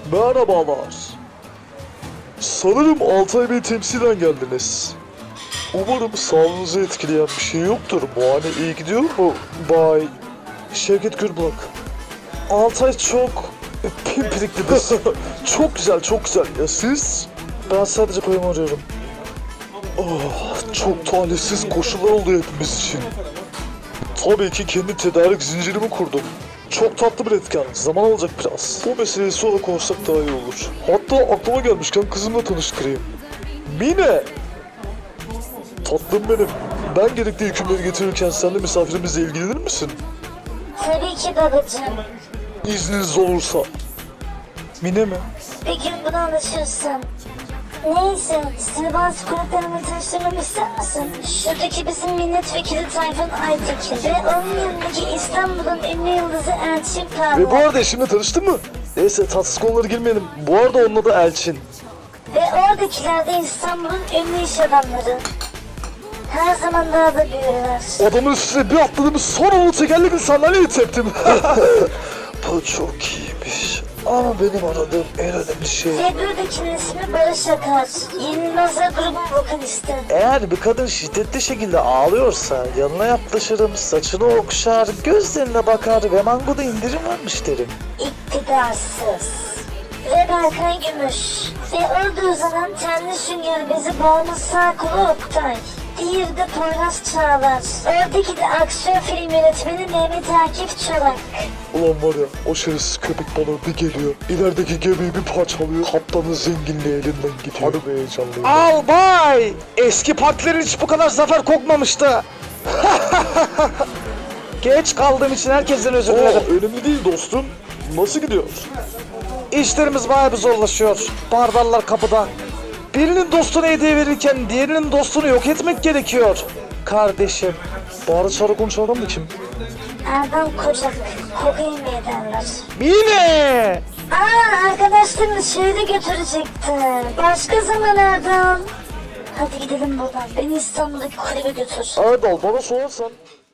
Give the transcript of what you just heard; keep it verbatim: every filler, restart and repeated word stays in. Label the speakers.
Speaker 1: Merhabalar. Sanırım Altay Bey temsilen geldiniz. Umarım sağlığınızı etkileyen bir şey yoktur. Muayene iyi gidiyor mu Bay Şevket Gürbak? Altay çok pimpiriklidir. Çok güzel, çok güzel. Ya siz? Ben sadece payımı arıyorum. Oh, çok talihsiz koşullar oldu hepimiz için. Tabii ki kendi tedarik zincirimi kurdum. Çok tatlı bir etken. Zaman alacak biraz. Bu meseleyi sonra konuşsak daha iyi olur. Hatta aklıma gelmişken kızımla tanıştırayım. Mine! Tatlım benim. Ben gerekli hükümleri getirirken sen de misafirimizle ilgilenir misin?
Speaker 2: Tabii ki babacığım.
Speaker 1: İzniniz olursa. Mine mi?
Speaker 2: Bir gün buna alışırsın. Neyse, seni bazı konuklarımla tanıştırmamı ister misin? Şuradaki bizim milletvekili Tayfun Aytekin ve onun yanındaki İstanbul'un ünlü yıldızı Elçin
Speaker 1: Ve bu
Speaker 2: Parlak.
Speaker 1: arada eşimle tanıştın mı? Neyse tatsız konulara girmeyelim. Bu arada onun adı Elçin.
Speaker 2: Ve oradakiler de İstanbul'un ünlü iş adamları. Her zaman daha da büyürler.
Speaker 1: Adamın üstüne bir atladım, sonra onu tekerlekli sandalyeye teptim. Bu çok iyiymiş. Ama benim aradığım en önemli şey...
Speaker 2: Ve buradakinin ismi Barış Akar. Yenilmezler grubun vokalisti.
Speaker 1: Eğer bir kadın şiddetli şekilde ağlıyorsa yanına yaklaşırım, saçını okşar, gözlerine bakar ve mangoda indirim varmış derim.
Speaker 2: İktidarsız. Ve Berkay Gümüş. Ve orada uzanan tenli sünger bezi bağımlı sağ kolu Oktay. Diğeri de Poyraz Çağlar. Oradaki de aksiyon film yönetmeni Mehmet Akif Çolak.
Speaker 1: Ulan var ya, o şerefsiz köpek balığı bir geliyor, ilerideki gemiyi bir parçalıyor, kaptanın zenginliği elinden gidiyor. Hadi be heyecanlıyım. Albay! Eski partilerin hiç bu kadar zafer kokmamıştı. Geç kaldığım için herkesten özür dilerim. Aa, önemli değil dostum. Nasıl gidiyor? İşlerimiz bayağı bir zorlaşıyor. Barbarlar kapıda. Birinin dostuna hediye verirken diğerinin dostunu yok etmek gerekiyor. Kardeşim. Bağırı çağrı konuşan adam da kim?
Speaker 2: Erdal Kocak. Kokain mi ederler?
Speaker 1: Mine!
Speaker 2: Aa, arkadaşlarını şehre götürecekti. Başka zaman Erdal. Hadi gidelim buradan. Beni İstanbul'daki kulübe götür.
Speaker 1: Erdal bana sorarsan